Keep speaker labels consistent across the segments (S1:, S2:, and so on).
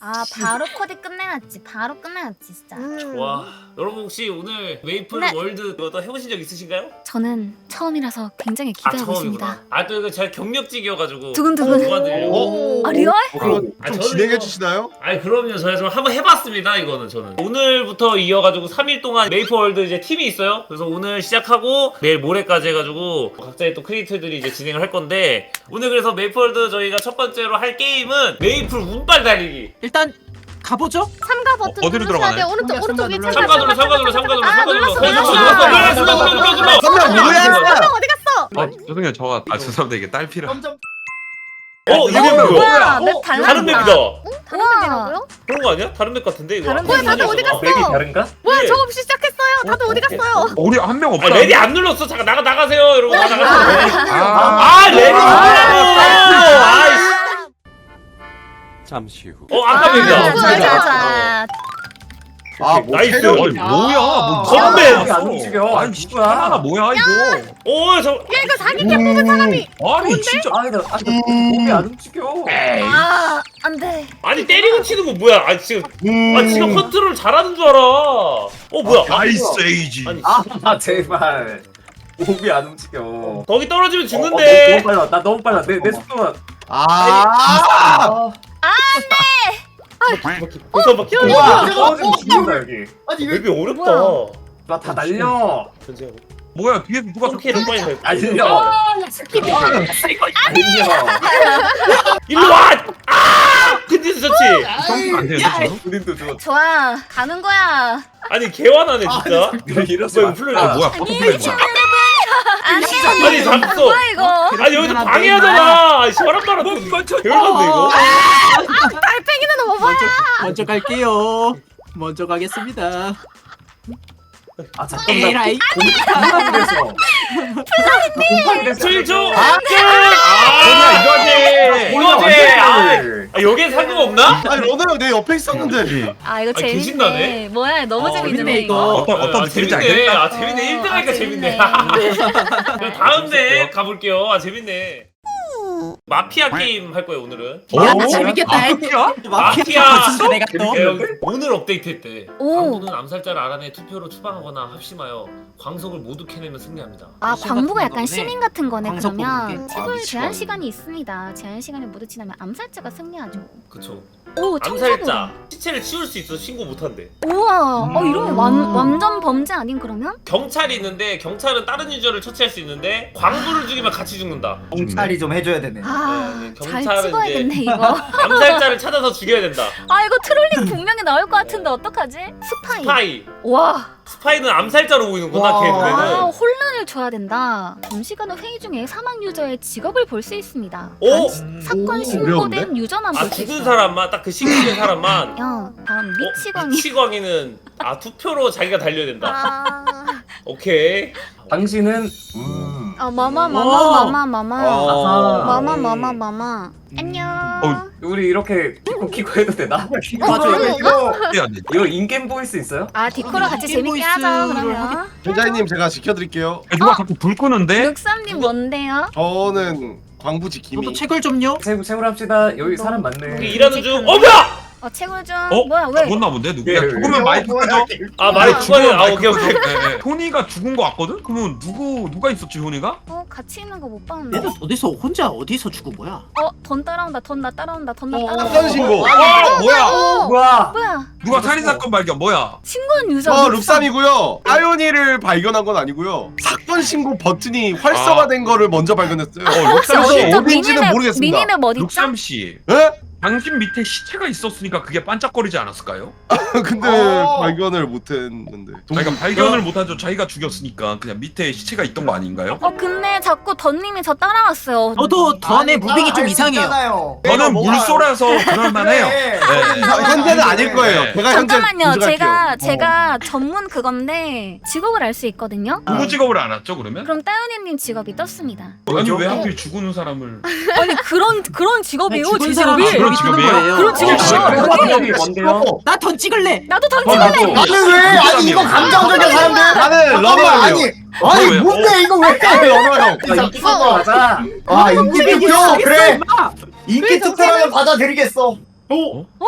S1: 아 바로 코디 끝내놨지. 바로 끝내놨지 진짜.
S2: 와, 여러분 혹시 오늘 메이플
S1: 네.
S2: 월드 이거 해보신 적 있으신가요?
S1: 저는 처음이라서 굉장히 기대하고 있습니다.
S2: 처음이구나. 아 또 이거 잘 경력직이어가지고
S1: 두근두근.
S2: 도와드리려고.
S1: 아 리얼?
S3: 그럼
S2: 아,
S3: 좀
S2: 저는
S3: 진행해
S2: 이거-
S3: 주시나요?
S2: 아니 그럼요. 저희 좀 한번 해봤습니다. 이거는 저는 오늘부터 이어가지고 3일 동안 메이플 월드 이제 팀이 있어요. 그래서 오늘 시작하고 내일 모레까지 해가지고 각자의 또 크리에이터들이 이제 진행을 할 건데 오늘 그래서 메이플 월드 저희가 첫 번째로 할 게임은 메이플 운빨 달리기.
S4: 일단 가보죠.
S1: 참가 버튼
S5: 어디로
S1: 누르셔야
S5: 들어가나요?
S1: 돼요. 오른쪽 위에
S2: 참가 눌러, 참가 눌러, 참가 눌러, 참가 눌러.
S1: 눌렀어,
S2: 눌렀어,
S1: 눌렀어.
S2: 눌렀어.
S3: 선명 뭐야?
S1: 어디 갔어?
S5: 아 죄송해요 저가 죄송합니다 이게 딸피라
S2: 이게
S1: 뭐야?
S2: 뭐야?
S1: 맵
S2: 다른 맵이다.
S1: 다른 맵이라고요?
S2: 그런 거 아니야? 다른 맵 같은데 이거.
S1: 다른 맵 다들 어디 갔어?
S2: 맵이 다른가?
S1: 뭐야 저 없이 시작했어요. 다들 어디 갔어요?
S5: 우리 한 명 없다.
S2: 아 레디 안 눌렀어. 잠깐 나가세요 여러분. 나가세요.
S5: 아,
S2: 레디 눌러라고. 아이씨.
S5: 잠시 후.
S2: 아까 맵이다.
S1: 자자자.
S3: 아, 뭐
S2: 나이스.
S3: 체력이
S5: 아니 뭐야? 뭐
S2: 건배.
S5: 안 움직여. 아니 씨발 뭐야 이거?
S2: 오, 저
S1: 야 이거 사기캐 뽑은 사람이.
S5: 아니 진짜. 몸이 안 움직여.
S1: 아 안돼.
S2: 아니 때리고 치는 거 뭐야? 아 지금 컨트롤 잘하는 줄 알아. 뭐야?
S5: 아이스 에이지.
S2: 아니
S6: 아 제발 몸이 안 움직여.
S2: 거기 떨어지면
S6: 너무
S2: 죽는데.
S6: 빨라. 나 너무 빨라. 내 속도가.
S3: 아,
S2: 벌써 막
S6: 와, 떨어지면 죽는다 여기.
S3: 아니
S2: 맵이 어렵다.
S1: 뭐야?
S6: 나 다 날려.
S2: 전쟁하고.
S5: 뭐야 뒤에서 누가
S2: 성캐를 빨리 해.
S6: 날려. 날려.
S2: 일로 와. 근데서 좋지.
S5: 성공 안 되는데 지금?
S6: 우린도 좀
S1: 좋아 가는 거야.
S2: 아니 개화나네 진짜.
S6: 이러지
S2: 뭐야
S6: 마.
S2: 이거 플레이.
S5: 뭐야 퍼플레이 뭐야?
S1: 안돼.
S2: 아니 잡았어.
S1: 뭐야 이거?
S2: 아니 여기서 방해하잖아. 사람 말아. 별건데 이거.
S1: 달팽이는 오버야.
S4: 먼저 갈게요. 먼저 가겠습니다.
S6: 아 잠깐 나
S4: 에라이.
S6: 공파이래서. 플라이님.
S2: 7초.
S6: 이거지.
S2: 여기에 상금 없나?
S3: 아니 러너 형 내 옆에 있었는데.
S1: 아 이거 재밌네.
S2: 계신다네?
S1: 뭐야 너무 재밌네
S4: 재밌네,
S1: 이거.
S4: 이거.
S5: 어떤
S2: 재밌네.
S5: 재밌지 않겠다.
S2: 재밌네. 1등 하니까 재밌네.
S1: 재밌네.
S2: 그럼 다음 내 가볼게요. 재밌네. 마피아 게임 할 거예요 오늘은.
S4: 야, 나 재밌겠다.
S2: 마피아.
S4: 진짜 내가 또.
S2: 오늘 업데이트했대.
S1: 오.
S2: 광부는 암살자를 알아내 투표로 추방하거나 합심하여 광석을 모두 캐내면 승리합니다.
S1: 아 광부가 약간
S4: 거네.
S1: 시민 같은 거네.
S4: 광석
S1: 그러면
S4: 뽑는 게.
S1: 최고의
S3: 미치겠네.
S1: 제한 시간이 있습니다. 제한 시간을 모두 지나면 암살자가 승리하죠.
S2: 그쵸.
S1: 오
S2: 암살자
S1: 청소부.
S2: 시체를 치울 수 있어 신고 못한대.
S1: 우와. 이러면 완전 범죄 아닌 그러면?
S2: 경찰이 있는데 경찰은 다른 유저를 처치할 수 있는데 광부를 죽이면 같이 죽는다.
S6: 경찰이 좀 해줘야 되네.
S1: 아 잘
S2: 경찰은
S1: 찍어야겠네
S2: 이제
S1: 이거.
S2: 암살자를 찾아서 죽여야 된다.
S1: 아 이거 트롤링 분명히 나올 것 같은데 어떡하지? 스파이.
S2: 스파이.
S1: 와.
S2: 스파이는 암살자로 보이는구나 걔
S1: 아
S2: 눈에는.
S1: 혼란을 줘야 된다. 점시간의 회의 중에 사망 유저의 직업을 볼 수 있습니다.
S2: 오!
S1: 사건 신고된 유저만 볼 수 있어.
S2: 죽은 사람만 딱 그 신고된 사람만.
S1: 야 다음 미치광이.
S2: 미치광이는 투표로 자기가 달려야 된다.
S1: 아.
S2: 오케이.
S6: 당신은
S1: 마마.
S2: 어.
S1: 안녕.
S6: 우리 이렇게 키고 해도 되나?
S4: 맞아,
S5: 해야 돼.
S6: 이거 인게임 보이스 있어요?
S1: 아 디코라 같이 재밌게
S4: 보이스를
S1: 하자 그러면.
S3: 회장님 제가 지켜드릴게요.
S5: 누가 자꾸 불 끄는데?
S1: 룩삼님 뭔데요?
S3: 저는 광부 지킴이.
S4: 저도 책을 좀요.
S6: 세우를 합시다. 여기 사람
S2: 우리
S6: 많네.
S2: 일하는 중. 뭐야?
S1: 채굴 좀.
S5: 어?
S1: 뭐야 왜?
S5: 죽었나 본데 누구야?
S6: 예, 예.
S5: 죽으면 마이크 끄죠?
S2: 아 말이 죽어야. 오케이.
S5: 토니가 죽은 거 같거든? 그러면 누가 있었지 토니가?
S1: 같이 있는 거 못 봤는데.
S4: 얘는 어디서 죽은 거야?
S1: 돈 따라온다. 돈 나 따라온다.
S3: 사건 신고.
S5: 뭐야?
S6: 우와.
S1: 뭐야?
S5: 누가 살인 사건 발견 뭐야?
S1: 신고한 유저.
S3: 저 룩삼이고요. 아요니를 발견한 건 아니고요. 사건 신고 버튼이 활성화된 거를 먼저 발견했어요.
S1: 혹시
S3: 그래서
S1: 어디죠?
S3: 어딘지는 모르겠습니다.
S1: 미니맵 어딨죠?
S5: 룩삼 씨,
S3: 예?
S5: 당신 밑에 시체가 있었으니까 그게 반짝거리지 않았을까요?
S3: 근데 발견을 못했는데.
S5: 자기가 발견을 못하죠. 자기가 죽였으니까 그냥 밑에 시체가 있던 거 아닌가요?
S1: 근데 자꾸 던님이 저 따라왔어요.
S4: 저도 던의 무빙이 좀 이상해요.
S5: 저는 물소라서 그럴만해요. 네.
S3: 현재는 아닐 거예요.
S5: 네.
S3: 제가 현재
S1: 잠깐만요.
S3: 조작할게요.
S1: 제가 전문 그건데 직업을 알 수 있거든요.
S5: 누구 직업을 알았죠 그러면?
S1: 그럼 따윤이님 직업이 떴습니다.
S5: 아니 왜 하필 죽은 사람을?
S1: 아니 그런 직업이에요.
S4: 죽은
S1: 제
S4: 사람이
S1: 직업이.
S5: 그런
S4: 죽는
S5: 직업이에요?
S4: 거예요.
S1: 그런 직업이에요.
S6: 이게 뭔데요?
S4: 나 던 찍을래.
S1: 나도 던질래.
S3: 나는 왜? 아니 이거 감정적인 사람들. 나는 러너 아니.
S5: 아니,
S3: 뭔데 이거 왜? 러너 형.
S6: 인기 투표 하자.
S3: 아 인기 투표 그래.
S4: 임마.
S3: 인기 투표라면 받아들이겠어.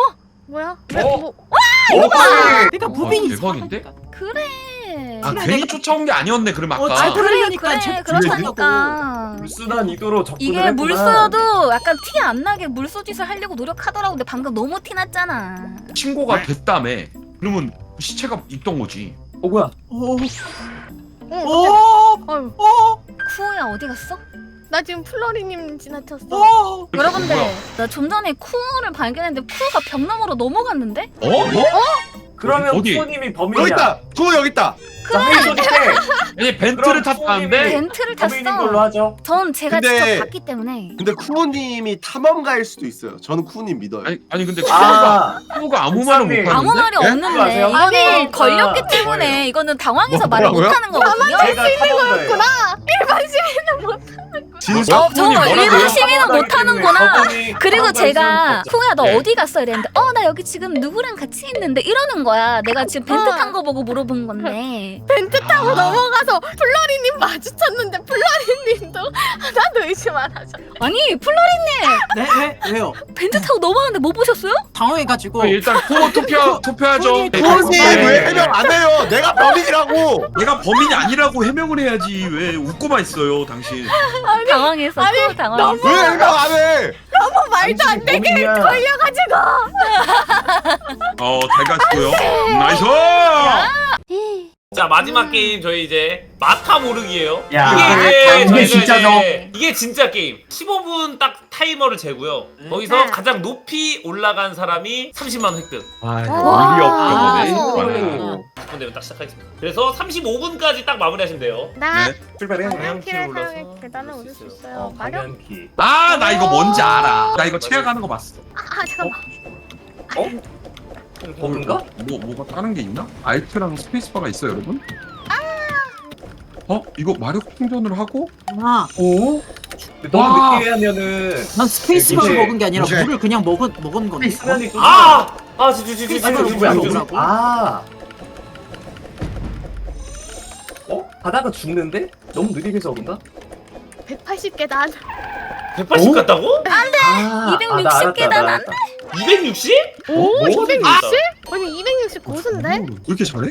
S7: 뭐야?
S6: 어?
S7: 뭐
S4: 내가 무빙이
S5: 대박인데?
S1: 그래.
S5: 아 괜히 쫓아온 게 아니었네 그럼 아까.
S4: 잘
S1: 그래
S4: 그러니까
S1: 그래
S4: 제-
S1: 그렇다니까.
S6: 불순한 의도로 접근을
S1: 이게
S6: 했구나.
S1: 물쏘여도 약간 티 안 나게 물쏘짓을 하려고 노력하더라고. 근데 방금 너무 티 났잖아.
S5: 신고가 됐다며. 그러면 시체가 있던 거지.
S6: 뭐야?
S4: 오.
S7: 어,
S4: 오.
S7: 아유,
S4: 오.
S1: 쿠야 어디 갔어?
S7: 나 지금 플러리님 지나쳤어.
S4: 오.
S1: 여러분들
S5: 뭐야?
S1: 나 좀 전에 쿠를 발견했는데 쿠가 벽 너머로 넘어갔는데?
S5: 어? 뭐?
S6: 그러면
S5: 어디?
S6: 쿠님이
S3: 여기
S6: 범인이야.
S3: 있다. 구호 여기 있다.
S6: 자, 회의 조직해.
S5: 아니 벤트를
S6: 그럼
S5: 탔다는데?
S1: 벤트를
S6: 범인인 걸로
S1: 탔어.
S6: 하죠.
S1: 전 제가
S3: 근데-
S1: 직접 봤기 때문에.
S3: 근데 쿠우님이 탐험가일 수도 있어요. 저는 쿠우님 믿어요.
S5: 아니 근데
S6: 아,
S5: 쿠가 아무 말을 못 하는데?
S1: 아무 말이
S3: 예?
S1: 없는데
S6: 아세요?
S1: 이거는
S7: 아니,
S1: 걸렸기
S6: 아,
S1: 때문에
S6: 뭐예요?
S1: 이거는 당황해서 말을
S3: 뭐라고요?
S1: 못하는 거거든요.
S6: 제가 탐험가예요.
S7: 일반 시민은 못.
S3: 진짜
S1: 저
S5: 뭐라고요?
S1: 일반 시민은 못하는구나.
S6: 저분이
S1: 그리고
S6: 탐험가일
S1: 제가
S6: 수는
S1: 쿠야 너
S5: 네.
S1: 어디 갔어 이랬는데 나 여기 지금 누구랑 같이 있는데 이러는 거야. 내가 지금 벤트 탄 거 보고 물어본 건데.
S7: 벤트 타고 넘어가서 플러리님 마주쳤는데 플러리님도 하나도 의심 안 하셨어.
S1: 아니 플로리님
S4: 네? 왜요?
S1: 벤트 타고 넘어가는데 못 보셨어요?
S4: 당황해가지고.
S5: 일단 쿠 투표하죠.
S3: 쿠우님 왜 해명 안 해요? 내가 범인이라고.
S5: 내가 범인이 아니라고 해명을 해야지 왜 웃고만 있어요 당신.
S1: 당황해서 쿠 당황해서.
S3: 왜 해명 안 해?
S7: 말도 안 되게
S6: 범인이야.
S7: 걸려가지고.
S5: 잘 가시고요. 나이스.
S2: 자 마지막 게임 저희 이제 마타 모르기예요.
S6: 야,
S2: 이게
S6: 이게
S2: 이제
S6: 진짜죠.
S2: 이게 진짜 게임. 15분 딱 타이머를 재고요. 거기서
S7: 네.
S2: 가장 높이 올라간 사람이 30만 원 획득.
S5: 아
S1: 와.
S5: 어이없게
S7: 아.
S5: 보네.
S2: 10분 되면 딱 시작하겠습니다. 그래서 35분까지 딱 마무리하시면 돼요.
S7: 나
S5: 네.
S6: 출발해.
S7: 방향키를
S2: 올라서
S7: 사용해 계단을 오를 수 있어요.
S6: 어,
S7: 마력.
S6: 방향키.
S5: 아 나 이거 뭔지 알아. 나 이거 체험하는 거 봤어.
S7: 잠깐만.
S6: 뭔가?
S5: 뭐가 다른 게 있나? 알트랑 스페이스바가 있어 여러분? 이거 마력 충전을 하고?
S4: 아,
S6: 오? 너무
S5: 와.
S6: 늦게 하면은
S4: 난 스페이스바를
S6: 이제-
S4: 먹은 게 아니라
S3: 이제-
S4: 물을 그냥 먹은 건데.
S6: 수면이 좀
S2: 진짜
S4: 뭐라고?
S6: 아. 가다가 죽는데? 너무 느리게 적은가?
S7: 180계단.
S2: 180 갔다고?
S6: 아,
S1: 260 계단 안
S2: 260?
S7: 오,
S6: 뭐?
S7: 260? 아니 260 고수인데?
S5: 왜 이렇게 잘해?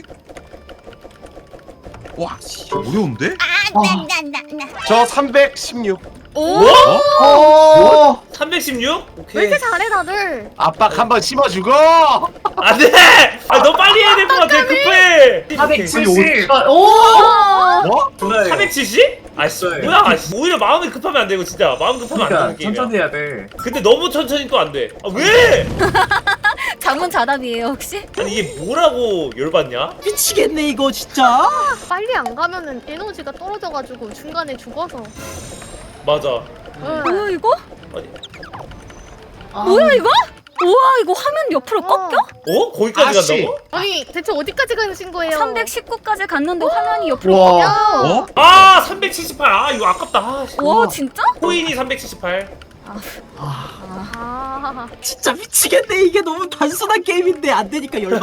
S5: 와, 씨, 어려운데?
S3: 저 316.
S1: 오.
S6: 오!
S2: 316?
S7: 왜
S2: 오케이.
S7: 이렇게 잘해 다들?
S3: 압박 한번 심어주고.
S2: 안돼! 너 빨리 해야 될 것 같아. 급해.
S6: 470!
S7: 오!
S3: 뭐?
S2: 470? 아씨
S6: 네.
S2: 뭐야? 아씨 오히려 마음이 급하면 안 되고 진짜 마음 급하면 안
S6: 그러니까
S2: 되는 게임이야.
S6: 천천히 해야 돼.
S2: 근데 너무 천천히 또 안 돼. 아 왜?
S1: 자문자답이에요 혹시?
S2: 아니 이게 뭐라고 열받냐?
S4: 미치겠네 이거 진짜.
S7: 빨리 안 가면은 에너지가 떨어져가지고 중간에 죽어서.
S2: 맞아.
S7: 응.
S1: 뭐야 이거?
S2: 아니.
S1: 뭐야 이거? 우와 이거 화면 옆으로 꺾여?
S2: 어? 거기까지
S3: 아씨.
S2: 간다고?
S7: 아니 대체 어디까지 가신 거예요?
S1: 319까지 갔는데 화면이 옆으로
S3: 와.
S1: 꺾여.
S5: 어?
S2: 아 378. 아 이거 아깝다. 아, 씨.
S1: 와 진짜?
S2: 코인이 378.
S7: 아,
S4: 진짜 미치겠네 이게 너무 단순한 게임인데 안 되니까 열받.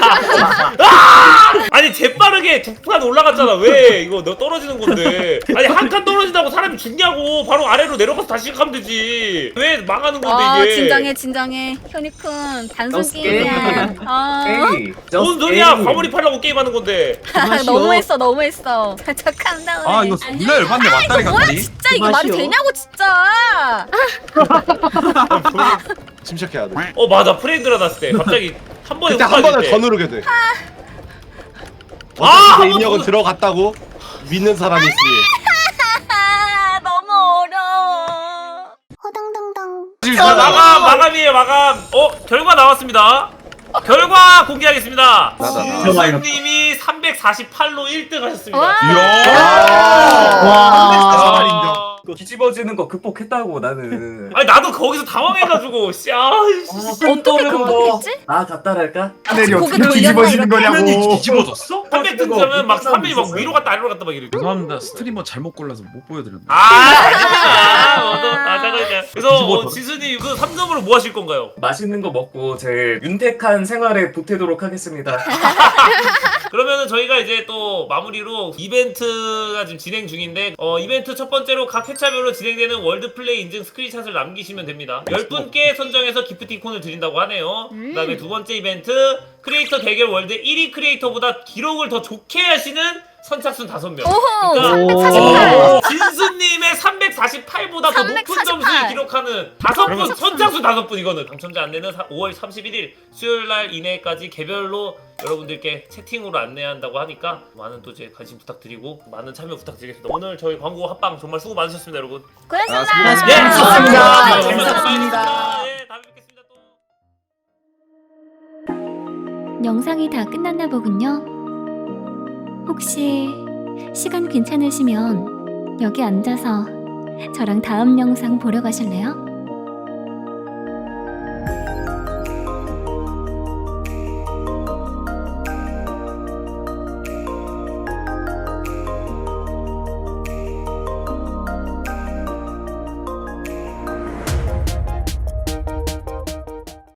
S2: 아니 재빠르게 두 칸 올라갔잖아. 왜 이거 너 떨어지는 건데? 아니 한 칸 떨어진다고 사람이 죽냐고. 바로 아래로 내려가서 다시 가면 되지. 왜 망하는 건데
S1: 아
S2: 이게?
S1: 진정해 현이쿤 단순
S6: Just
S1: 게임이야.
S6: game.
S1: 아
S6: 에이,
S2: 뭔 소리야? 과몰입 하려고 게임하는 건데.
S1: 너무했어. 착한 다음에.
S5: 아, 이거 존나 열받네, 맞다리
S1: 뭐야
S5: 같더니.
S1: 진짜 이거 말이
S4: 맛이요.
S1: 되냐고 진짜.
S3: 침착해야 돼.
S2: 맞아 프레임 일어났을 때 갑자기 한 번에
S3: 그때
S2: 훅
S3: 한 번을
S2: 빠질
S3: 더
S2: 때.
S3: 누르게 돼.
S2: 아,
S3: 어차피
S2: 한번
S3: 입력은
S2: 더-
S3: 들어갔다고 믿는 사람이 있으니.
S1: 너무 어려워.
S2: 자, 마감이에요 마감. 결과 나왔습니다. 결과 공개하겠습니다. 진수님이 348로 1등 하셨습니다.
S1: 와.
S3: 와. 인정.
S6: 이거 뒤집어지는 거 극복했다고 나는.
S2: 아니 나도 거기서 당황해가지고
S1: 어떻게 극복했지?
S6: 아, 다 따라할까?
S1: 고개 돌렸나 이렇게?
S5: 화면이 뒤집어졌어?
S2: 300 등지하면 막 300이 막 위로 갔다 아래로 갔다 막 이래.
S5: 죄송합니다. 스트리머 잘못 골라서 못 보여드렸네.
S2: 그래서 지수님 그 3점으로 뭐 하실 건가요?
S6: 맛있는 거 먹고 제 윤택한 생활에 보태도록 하겠습니다.
S2: 그러면은 저희가 이제 또 마무리로 이벤트가 지금 진행 중인데 이벤트 첫 번째로 각 회차별로 진행되는 월드플레이 인증 스크린샷을 남기시면 됩니다. 10분께 선정해서 기프티콘을 드린다고 하네요. 그 다음에 두 번째 이벤트 크리에이터 대결 월드 1위 크리에이터보다 기록을 더 좋게 하시는 선착순 5명.
S1: 오호
S2: 그러니까
S1: 348.
S2: 진수님의 348보다 더 높은
S1: 348.
S2: 점수를 기록하는 5분 선착순 5분 이거는 당첨자 안내는 5월 31일 수요일날 이내까지 개별로 여러분들께 채팅으로 안내한다고 하니까 많은 또 이제 관심 부탁드리고 많은 참여 부탁드리겠습니다. 오늘 저희 광고 합방 정말 수고 많으셨습니다, 여러분.
S1: 고맙습니다.
S2: 예,
S4: 수고하셨습니다.
S2: 재밌었습니다. 예, 다음에 뵙겠습니다. 또.
S8: 영상이 다 끝났나 보군요. 혹시 시간 괜찮으시면 여기 앉아서 저랑 다음 영상 보러 가실래요?